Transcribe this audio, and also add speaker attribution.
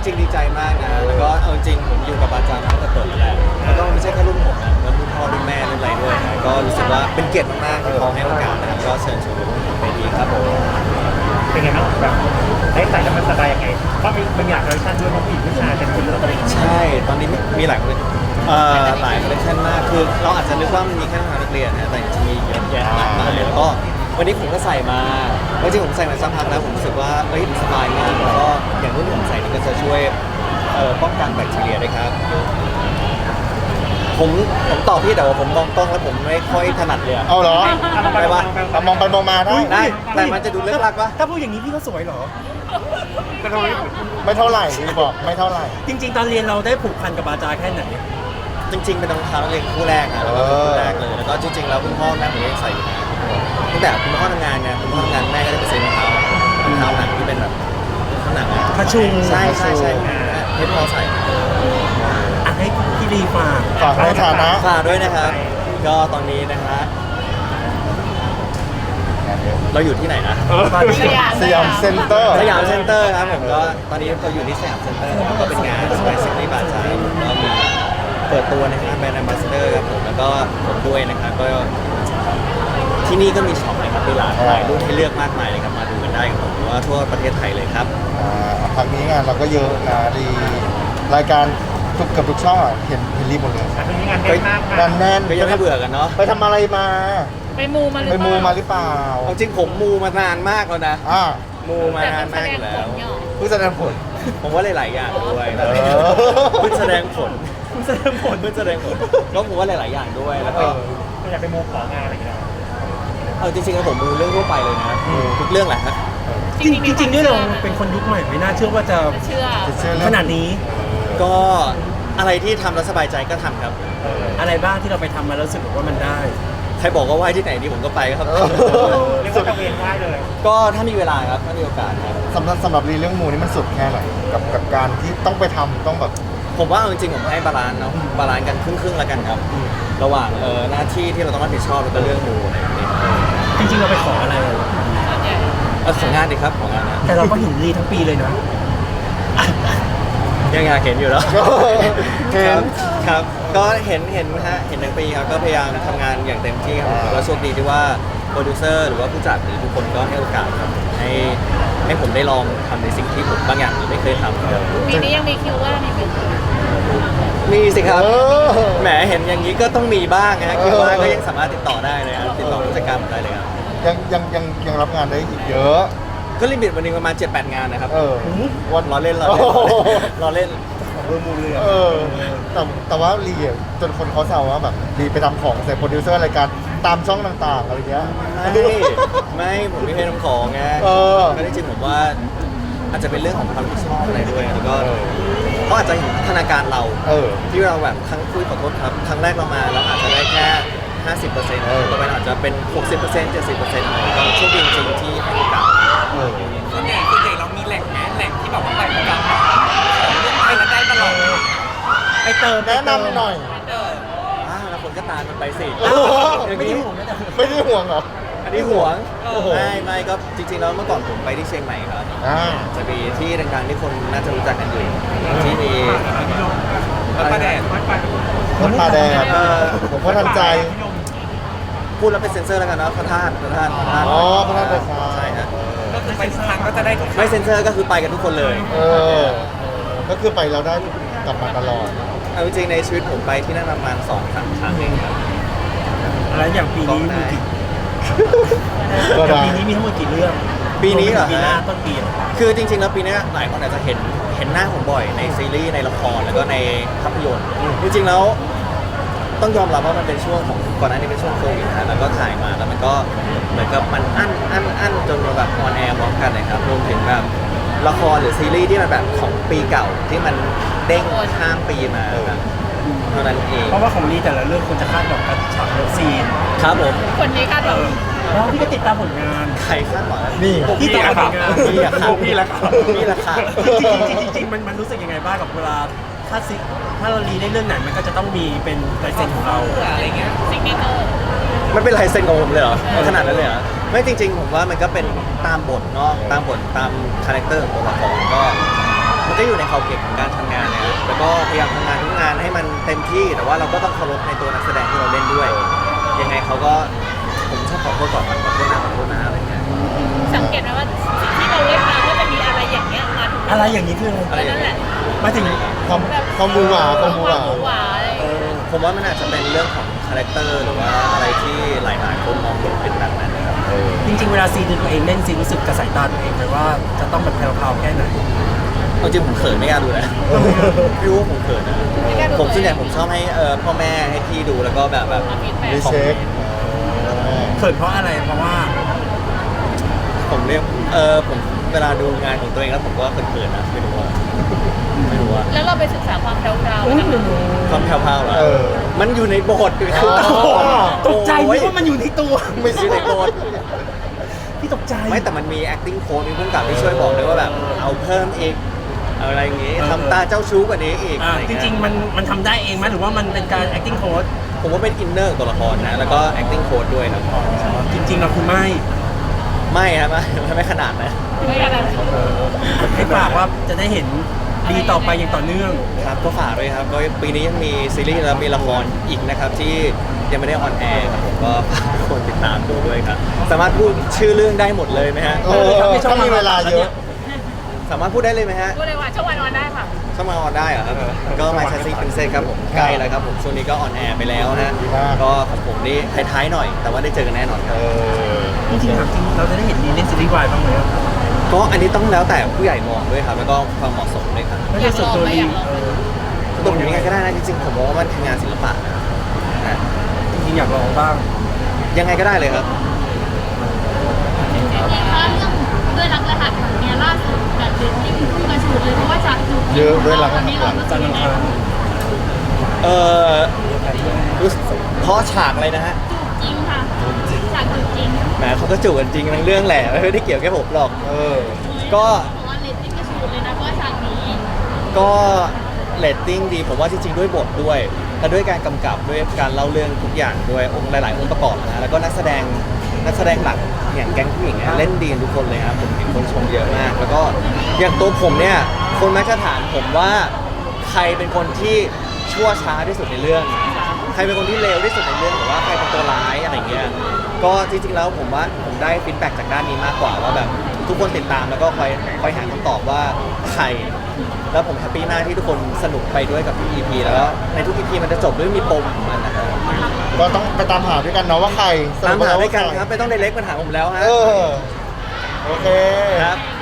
Speaker 1: ริงๆดีใจมากนะแล้วก็เอาจริงผมอยู่กับบาจามาตั้งแต่เปิดแหละแล้วก็ไม่ใช่แค่รุ่นผมนะแล้วรุ่นพ่อรุ่นแม่รุ่นอะไรด้วยนะก็รู้สึกว่าเป็นเกียรติมากๆที่เขาให้โอกาสนะครับก็เชิญชวนไปดีครับผม
Speaker 2: เป็นไงบ้างแบบได้ใส่แล้วมันสบายยังไงเพราะมีหลายคอลเลคชันด้วยเพราะผู้หญิงผู้ชายเป็นคนละอะไรอย่างเงี้ย
Speaker 1: ใช่ตอนนี้มีหลายคนหลายคอลเลคชันมากคือเราอาจจะนึกว่ามันมีแค่นักเรียนนะแต่จริงๆมีเยอะแยะมากมายเลยแล้วก็วันนี้ผมก็ใส่มาจริงๆผมใส่มาสักพักแล้วผมรู้สึกว่าเอ้ยสบายมากแล้วก็อย่างรุ่นผมใส่นี่ก็จะช่วยป้องกันแบคทีเรียด้วยครับผมตอบพี่แต่ว่าผมมองกล้องแล้วผมไม่ค่อยถนัดเลยอะ
Speaker 3: เอาเหรอ
Speaker 1: ไปวะ
Speaker 3: มองไปมองมาได้
Speaker 1: ได้แต่มันจะดูเลิกลักปะ
Speaker 2: ถ้าพูดอย่างนี้พี่ก็สวยเหรอ
Speaker 3: ไม่เท่าไหร่พี่บอกไม่เท่าไหร่
Speaker 2: จริง ๆ ตอนเรียนเราได้ผูกพันกับบาจาแค่ไหน
Speaker 1: จริงๆเป็นรองเท้านักเรียนคู่แรกอะแล้วก็เป็นคู่แรกเลยแล้วก็จริงๆแล้วคุณพ่อแม่ผมยังใส่อยู่นะตั้งแต่คุณพ่อทำงานไงคุณพ่อทำงานแม่ก็ได้ไปซื้อรองเท้หนังที่เป็นแบบข้างหนังอะ
Speaker 2: กระชุง
Speaker 1: ใช่ให้พ่อใส่
Speaker 2: อ่ะให้พี่ลีฝาก
Speaker 3: ฝากในฐานะ
Speaker 1: ฝากด้วยนะครับก็ตอนนี้นะฮะเราอยู่ที่ไหนนะ
Speaker 3: สยามเซ็นเตอร์
Speaker 1: สยามเซ็นเตอร์ครับผมก็ตอนนี้เราอยู่ที่สยามเซ็นเตอร์นะครับก็เป็นงานสไปซ์ซิตี้บาร์ชาผมก็มีเปิดตัวนะครับแบรนด์แอมบาสเดอร์ครับผมแล้วก็ผมด้วยนะครับก็ที่นี่ก็มีช็อปนะครับมีหลายรุ่นให้เลือกมากมายเลยครับมาดูกันได้ครับผมว่าทั่วประเทศไทยเลยครับ
Speaker 3: พักนี้งานเราก็เยอะนะดีรายการเกือบทุกช่องอะเห็นรีบหมดเลย
Speaker 2: มีงานแน่นมาก
Speaker 3: งานแน่น
Speaker 1: ก็ยังไม่เบื่อกันเนาะ
Speaker 3: ไปทำอะไรมา
Speaker 4: ไปมูมาหรือ
Speaker 3: ไป
Speaker 4: เป
Speaker 3: มู
Speaker 4: ล่า
Speaker 3: มาหรือเปล่า
Speaker 1: เอาจริงผมมูมานานมากแล้วนะ
Speaker 3: อ่า
Speaker 1: มูมา
Speaker 4: แต่
Speaker 1: นาน
Speaker 4: มันแส
Speaker 1: มาก
Speaker 4: ด
Speaker 1: อง ยู่
Speaker 4: ผ
Speaker 1: แล้ว
Speaker 4: ลเนี่ยหรอ
Speaker 3: เพิ่งแสดงผล
Speaker 1: ผมว่าหลายๆอย่างด้วย
Speaker 3: เออ
Speaker 1: เพิ่งแสดงผล
Speaker 2: คุณแสดงผล
Speaker 1: เพิ่งแสดงผลก็ผมว่าหลายๆอย่างด้วยแล้วก็
Speaker 2: อยากไปโมของานอะไรอย่างเงี้ย
Speaker 1: เอาจริงๆแล้วผมมูเรื่องทั่วไปเลยนะทุกเรื่องแหละครับ
Speaker 2: จริงๆด้วยเราเป็นคนยุคใหม่ไม่น่าเชื่อว่าจะ
Speaker 4: เชื่อ
Speaker 3: เชื่อเรื่
Speaker 2: ข
Speaker 3: อง
Speaker 2: นาดนี้
Speaker 1: ก็อะไรที่ทำแล้วสบายใจก็ทำครับ
Speaker 2: อะไรบ้างที่เราไปทำมาแล้วรู้สึกว่ามันได้
Speaker 1: ใครบอกว่าไหว้ที่ไหนดีผมก็ไปครับ
Speaker 2: เรียกว่าตะเวนไหว้เลย
Speaker 1: ก็ถ้ามีเวลาครับถ้ามีโอกาสครับ
Speaker 3: สำหรับรีเรื่องมูนี่มันสุดแค่ไหนกับการที่ต้องไปทำต้องแบบ
Speaker 1: ผมว่าเอาจริงๆผมให้บาลานซ์เนาะบาลานซ์กันครึ่งๆแล้วกันครับ ระหว่างหน้าที่ที่เราต้องรับผิดชอบแล้วก็เรื่องมูอะไรแบบนี้
Speaker 2: จริงๆเราไปขออะไร
Speaker 1: ของงานดีครับของงานนะ
Speaker 2: แต่เราก็เห็นรีทั้งปีเลยนะ
Speaker 1: ยังอยากเห็นอยู่แล้ว
Speaker 3: เห็น
Speaker 1: ครับก็เห็นฮะเห็นทั้งปีครับก็พยายามทำงานอย่างเต็มที่ครับแล้วโชคดีที่ว่าโปรดิวเซอร์หรือว่าผู้จัดหรือทุกคนก็ให้โอกาสครับให้ผมได้ลองทำในสิ่งที่ผมบางอย่างไม่เคยทำครับ
Speaker 4: ปีนี้ยังมีคิวว่างอีกไหม
Speaker 1: มีสิครับ
Speaker 3: เออ
Speaker 1: แหมเห็นอย่างนี้ก็ต้องมีบ้างนะคิดว่าก็ยังสามารถติดต่อได้เลยครับติดต่อผู้จัดการผมได้เลยครับ
Speaker 3: ยังรับงานได้อีกเยอะ
Speaker 1: ก็ลิมิตวันหนึงประมาณ 7-8 งานนะครับ
Speaker 3: วัน
Speaker 1: รอเล่น
Speaker 3: โอ้โห
Speaker 1: รอเล่น
Speaker 2: เรื่องมูเรือ
Speaker 3: เออแต่ว่ารีอะจนคนเขาแซวว่าแบบรีไปทำของใส่โปรดิวเซอร์รายการตามช่องต่างๆอะไรเงี้ย
Speaker 1: ไม่ผมไม่ให้น้ำของไง
Speaker 3: เออ
Speaker 1: ก็จริงๆผมว่าอาจจะเป็นเรื่องของความรับผิดชอบอะไรด้วยแล้วก็เขาอาจจะเห็นพัฒนาการเรา
Speaker 3: เออ
Speaker 1: ที่เราแบบครั้งคุยขอโทษครับครั้งแรกเรามาเราอาจจะได้แค่ 50%ต่อไปอาจจะเป็น 60% 70%อะไรก็โชคดีจริงๆที่ให้โอกาส
Speaker 3: เออ
Speaker 5: ส่วนใหญ่เรามีแหล่งที่แบบว่าไปประจำของไปแล้วได้ตลอด
Speaker 2: ไปเติม
Speaker 3: แนะนำหน่อย
Speaker 1: แล้วคนก็ตามมันไปสิ
Speaker 3: โอ้โห
Speaker 2: ไม่ได้ห่วงนะแต่
Speaker 3: ไม่ได้ห่วงเหรอ
Speaker 1: อันนี้ห่วง
Speaker 3: โอ้โห
Speaker 1: ไม่ก็จริงๆแล้วเมื่อก่อนผมไปที่เชียงใหม่ครับ
Speaker 3: อ่า
Speaker 1: จะมีที่ดังๆที่คนน่าจะรู้จักกันอยู่ที่มี
Speaker 5: วัดประแดด
Speaker 3: วัดป่าแดงผมก็ทันใจ
Speaker 1: พูดแล้วเป็นเซ็นเซอร์แล้วกันเนาะพระธาตุ
Speaker 3: อ๋อพระธาตุดอยคำ
Speaker 1: ใช่ฮะ
Speaker 5: ก็คือไปทุกครั้งก็จะได้ทุกครั้ง
Speaker 1: ไม่เซ็นเซอร์ก็คือไปกันทุกคนเลย
Speaker 3: เออ ก็คือไปเราได้กลับมาตลอด
Speaker 1: เอาจริงๆในชีวิตผมไปที่นั่นประมาณ 2-3 ครั้งเองครับ
Speaker 2: แล้วอย่างปีนี้มีกี่
Speaker 3: ก็
Speaker 2: อย่าง
Speaker 3: ได้
Speaker 2: ปีนี้มีทั้งหมดกี่เรื่อง
Speaker 1: ปีนี้เหรอ
Speaker 2: ปีหน้า
Speaker 1: ฮะ
Speaker 2: ต้นปีอะ
Speaker 1: คือจริงๆแล้วปีนี้หลายคนอาจจะเห็นหน้าผมบ่อยในซีรีส์ในละครแล้วก็ในภาพยนตร์จริงๆแล้วต้องยอมรับว่ามันเป็นช่วงของก่อนหน้านี้เป็นช่วงโควิดนะแล้วก็ถ่ายมาแล้วมันก็เหมือนกับมันอั้นจนมาแบบออนแอร์พร้อมกันนะครับรวมถึงแบบละครหรือซีรีส์ที่มันแบบของปีเก่าที่มันเด้งข้ามปีมาแบบเท่านั้นเอง
Speaker 2: เพราะว่าของรีแต่ละเรื่องคนจะคาดหวังกับฉากเลิฟซีน
Speaker 1: ครับผม
Speaker 4: คนนี้คาดหวัง
Speaker 2: แล้วพี่ก็ติดตามผลงาน
Speaker 1: ใครคาดหวัง
Speaker 3: นี่
Speaker 2: พี่ติดตามผลงาน
Speaker 1: พี่อะครับ
Speaker 2: พี่ละครับ
Speaker 1: พี่ละครับ
Speaker 2: จริงๆมันรู้สึกยังไงบ้างกับเวลาถ้าเรารีได้เรื่องไหนมันก็จะต้องมีเป็นลายเซ็นของเรา
Speaker 5: อะไรเงี้ย
Speaker 4: ซิกเนเจอร์
Speaker 1: มันเป็นลายเซ็นของผมเลยเหรอขนาดนั้นเลยเหรอไม่จริงๆผมว่ามันก็เป็นตามบทเนาะตามบทตามคาแรคเตอร์ของตัวละครก็มันก็อยู่ในขอบเขตของการทำงานนะครับแล้วก็พยายามทำงานทุกงานให้มันเต็มที่แต่ว่าเราก็ต้องเคารพในตัวนักแสดงที่เราเล่นด้วย ยังไงเขาก็ผมชอบขอโทษก่อนขอโทษนะอะไรเงี้ย
Speaker 4: สังเกตไหมว่าสิ่งที่เราเล่นมาก็จะมีอะไรอย่างเงี้ยมาทุก
Speaker 2: อะไรอย่างนี้คืออะไร
Speaker 4: นั่นแหละ
Speaker 2: มาถึง
Speaker 3: ความบูหวาความบูหวา
Speaker 4: หวาอะไรอย่างเงี้ย
Speaker 1: ผมว่ามันอาจจะเป็นเรื่องของคาแรคเตอร์หรือว่าอะไรที่หลายๆคนมองเห็นเป็นแบบนั้นนะครับ
Speaker 2: จริงๆเวลาซีนตัวเองเล่นซีนรู้สึกกับสายตาตัวเองเลยว่าจะต้องแบบแพรวๆแค่ไหน
Speaker 1: เอาจริงผมเขินไม่กล้าดูนะพี่รู้ว่าผมเขินนะผมส่วนใหญ่ผมชอบให้พ่อแม่ให้พี่ดูแล้วก็แบบ
Speaker 4: มาฟีดแบ็ก
Speaker 3: รีเช็ค
Speaker 2: เขินเพราะอะไรเพราะว่า
Speaker 1: ผมเรียกผมเวลาดูงานของตัวเองแล้วผมก็เขินๆนะไม่รู้ว่า
Speaker 4: แล้วเราไปศึกษาความแพรวๆแล้วกัน
Speaker 1: ความแผ่วๆเหรอ
Speaker 3: เออ
Speaker 1: มันอยู่ในบทคือ
Speaker 2: ตกใจนึกว่ามันอยู่ในตัว
Speaker 1: ไม่ใช่ในบท
Speaker 2: พี่ตกใจ
Speaker 1: ไม่แต่มันมี acting coach มีผู้กำกับที่ช่วยบอกด้วยว่าแบบเอาเพิ่มอีกเอาอะไรอย่างงี้ทำตาเจ้าชู้กว่านี้อีก
Speaker 2: อ่า
Speaker 1: อะไร
Speaker 2: จ
Speaker 1: เงี้ย
Speaker 2: ริงๆมันทำได้เองไหมหรือว่ามันเป็นการ acting coach
Speaker 1: ผมว่าเป็นอินเนอร์ตัวละครนะแล้วก็ acting coach ด้วยครับ
Speaker 2: จริงๆเราคือไม่
Speaker 1: ไม่ครับไม่ขนาดนะ
Speaker 4: ไม่ขนาดนั้น
Speaker 2: ให้ฝากว่าจะได้เห็นดีต่อไปอย่างต่อเนื่อง
Speaker 1: ครับก็ฝากด้วยครับก็ปีนี้ยังมีซีรีส์และมีละครอีกนะครับที่ยังไม่ได้ออนแอร์ครับผมก็ฝากทุกคนติดตามดูด้วยครับสามารถพูดชื่อเรื่องได้หมดเลยไหมฮะ
Speaker 3: เออถ้ามีเวลาเยอะ
Speaker 1: สามารถพูดได้เลยไหมฮะ
Speaker 4: พูดเลยว่าช่วงวันได้ค่ะ
Speaker 1: ช่องมาออนได้เหรอครับก็มาชาซีเป็นเซครับผมใกล้แล้วครับผมช่วงนี้ก็ออนแอร์ไปแล้วนะ
Speaker 3: ดีมาก
Speaker 1: ก็ของผมนี่ท้ายๆหน่อย แต่ว่าได้เจอกันแน่นอนค
Speaker 3: เอ
Speaker 1: รับ
Speaker 3: อ
Speaker 2: จริงๆถามจริงเราจะได้เห็นดีเล่นซีรีส์วายบ้างไหม
Speaker 1: ก็อันนี้ต้องแล้วแต่ผู้ใหญ่มองด้วยครับ แล้วก็ความเหมาะสมด้วยครับ
Speaker 2: ไม่ได้ส่วนตัวดี
Speaker 1: ตัวผมยังไงก็ได้นะจริงๆผมมองว่ามันคืองานศิลปะนะ
Speaker 2: จริงๆอยากลองบ้าง
Speaker 1: ยังไงก็ได้เลยครับ
Speaker 6: จริงๆถ้าเรื่องด้วยรักรหัสเนี่ยล่าสุดแบบเรตติ้งพุ่งกระฉูดเลยเพราะว่าจากจุด
Speaker 3: เยอะด้วยรักรหัส
Speaker 6: ตอนนี้เรารู้สึ
Speaker 2: จั
Speaker 6: ก
Speaker 2: นทร์
Speaker 6: ยั
Speaker 2: อั
Speaker 6: ง
Speaker 2: ง
Speaker 6: ไง
Speaker 2: คาร
Speaker 1: รู้สึกเพราะฉากเลยนะฮะ
Speaker 6: จริงค่ะจากจุดจริง
Speaker 1: แหมเขาก็จูบกันจริงทั้งเรื่องแหละไม่ได้เกี่ยวแค่ผมหรอก
Speaker 3: เออ
Speaker 1: ก็
Speaker 6: เพราะว่าเรตติ้งกระฉูดเลยนะเพราะว่าฉากนี้
Speaker 1: ก็เรตติ้งดีผมว่าจริงๆด้วยบทด้วยและด้วยการกำกับด้วยการเล่าเรื่องทุกอย่างด้วยองค์หลายๆองค์ประกอบนะแล้วก็นักแสดงหลักอย่างแก๊งผู้หญิงเนี่ยเล่นดีกันทุกคนเลยครับผมเห็นคนชมเยอะมาก แล้วก็อย่างตัวผมเนี่ยคนมักจะถามผมว่าใครเป็นคนที่ชั่วช้าที่สุดในเรื่อง ใครเป็นคนที่เลวที่สุดในเรื่องหรือว่าใครเป็นตัวร้ายอะไรเงี้ยก็จริงๆแล้วผมว่าผมได้ฟีดแบ็กจากด้านนี้มากกว่าว่าแบบทุกคนติดตามแล้วก็คอยหาคำตอบว่าใคร แล้วผมแฮปปี้มากที่ทุกคนสนุกไปด้วยกับทุก EP แล้วก็ในทุก EP มันจะจบด้วยมีปมของมันนะครับ
Speaker 3: ก็ต้องไปตามหาด้วยกันเนาะว่าใคร
Speaker 1: ตามหาด้วยกันครับไม่ต้องไดเรกมาถามผมแล้วฮะ
Speaker 3: เออ โอเค
Speaker 1: ครับ
Speaker 6: โ